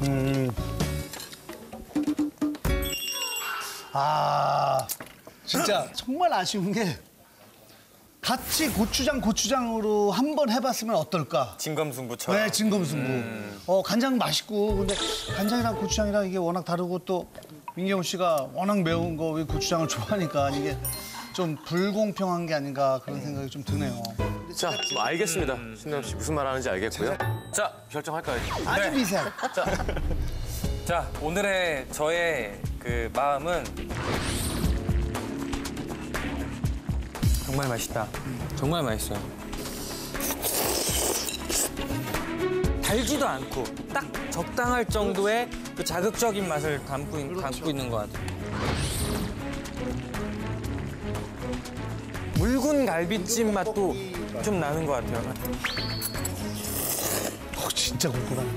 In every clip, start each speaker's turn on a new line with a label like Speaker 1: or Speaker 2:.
Speaker 1: 아, 진짜 정말 아쉬운 게 같이 고추장으로 한번 해봤으면 어떨까?
Speaker 2: 진검승부처럼.
Speaker 1: 네, 진검승부. 간장 맛있고 근데 간장이랑 고추장이랑 이게 워낙 다르고 또 민경훈 씨가 워낙 매운 거 고추장을 좋아하니까 이게 좀 불공평한 게 아닌가 그런 생각이 좀 드네요.
Speaker 3: 자, 뭐 알겠습니다. 신남 씨 무슨 말 하는지 알겠고요. 자, 결정할까요?
Speaker 1: 아주 미세한.
Speaker 2: 자, 오늘의 저의 그 마음은 정말 맛있다. 정말 맛있어요. 달지도 않고 딱 적당할 정도의 그 자극적인 맛을 담고 있는 것 같아요. 묽은 갈비찜 맛도 좀 나는 것 같아요.
Speaker 1: 진짜 궁금하네.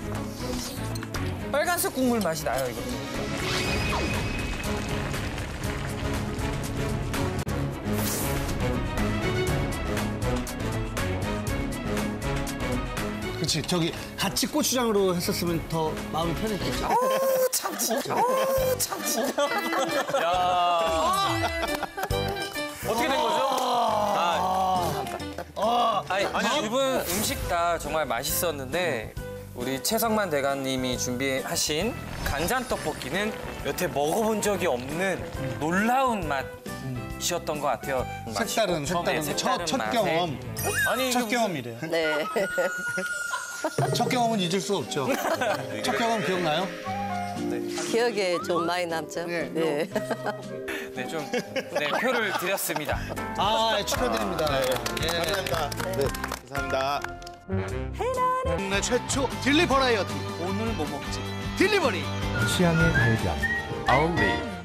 Speaker 2: 빨간색 국물 맛이 나요, 이것도.
Speaker 1: 그렇지. 저기 같이 고추장으로 했었으면 더 마음이 편했겠지.
Speaker 2: 참 진짜. 야. 어떻게 된 거죠? 아니, 두 분 음식 다 정말 맛있었는데 우리 최성만 대감님이 준비하신 간장 떡볶이는 여태 먹어본 적이 없는 놀라운 맛이었던 것 같아요.
Speaker 1: 색다른 첫 경험.
Speaker 2: 아니,
Speaker 1: 첫 경험이래요.
Speaker 4: 네.
Speaker 1: 첫 경험은 잊을 수 없죠. 첫 경험 기억나요?
Speaker 4: 기억에 좀 많이 남죠.
Speaker 1: 네.
Speaker 4: 네.
Speaker 2: 표를 드렸습니다.
Speaker 1: 축하드립니다.
Speaker 5: 감사합니다. 네, 감사합니다.
Speaker 1: 국내 최초 딜리 버라이어티. 오늘 뭐 먹지? 딜리버리.
Speaker 6: 취향의 발견. 아울리.